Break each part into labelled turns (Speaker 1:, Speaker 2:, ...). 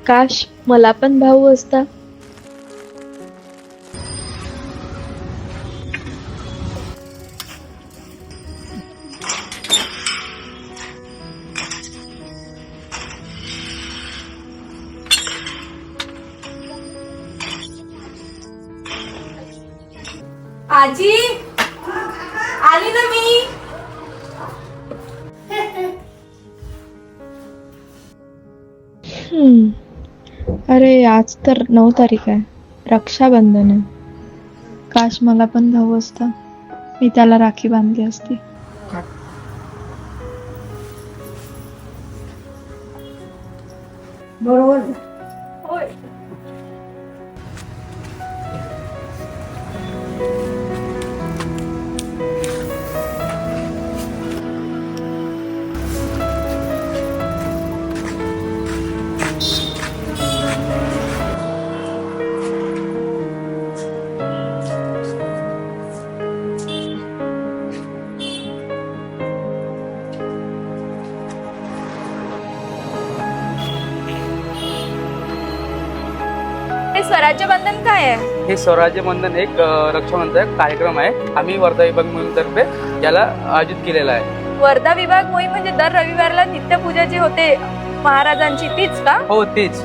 Speaker 1: काश मला पण भाऊ असता.
Speaker 2: आजी आली ना मी.
Speaker 1: अरे आज तर 9 तारीख आहे, रक्षाबंधन आहे. काश मला पण भाऊ असता, मी त्याला राखी बांधली असती.
Speaker 3: बरोबर.
Speaker 2: होय. हे स्वराज्य बंधन काय आहे?
Speaker 4: हे स्वराज्य बंधन एक रक्षाबंधन कार्यक्रम आहे. आम्ही वर्धा विभाग मोहीमतर्फे याला आयोजित केलेला आहे.
Speaker 2: वर्धा विभाग मोहीम म्हणजे दर रविवारला नित्यपूजा जी होते महाराजांची तीच का?
Speaker 4: हो तेच.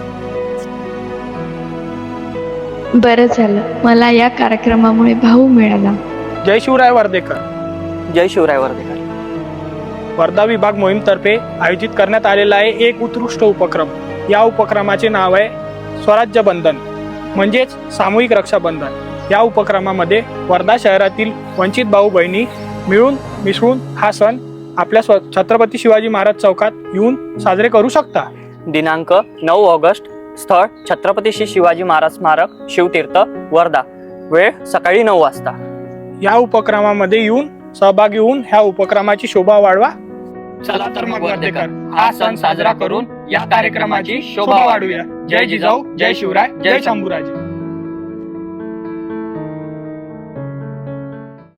Speaker 1: बरं झालं, मला या कार्यक्रमामुळे भाऊ मिळाला.
Speaker 5: जय शिवराय वर्धेकर.
Speaker 4: जय शिवराय वर्धेकर.
Speaker 5: वर्धा विभाग मोहीमतर्फे आयोजित करण्यात आलेला आहे एक उत्कृष्ट उपक्रम. या उपक्रमाचे नाव आहे स्वराज्य बंधन, म्हणजेच सामूहिक रक्षाबंधन. या उपक्रमामध्ये वर्धा शहरातील वंचित भाऊ बहिणी मिळून मिसळून हा सण आपल्या छत्रपती शिवाजी महाराज चौकात येऊन साजरे करू शकता.
Speaker 6: दिनांक 9 ऑगस्ट. स्थळ छत्रपती श्री शिवाजी महाराज स्मारक, शिवतीर्थ, वर्धा. वेळ सकाळी 9 वाजता.
Speaker 5: या उपक्रमामध्ये येऊन सहभागी होऊन ह्या उपक्रमाची शोभा वाढवा. चला तर मग वर्धेकर, हा सण साजरा करून या कार्यक्रमाची शोभा वाढवूया. जय जिजाऊ, जय शिवराय, जय शंभूराजे.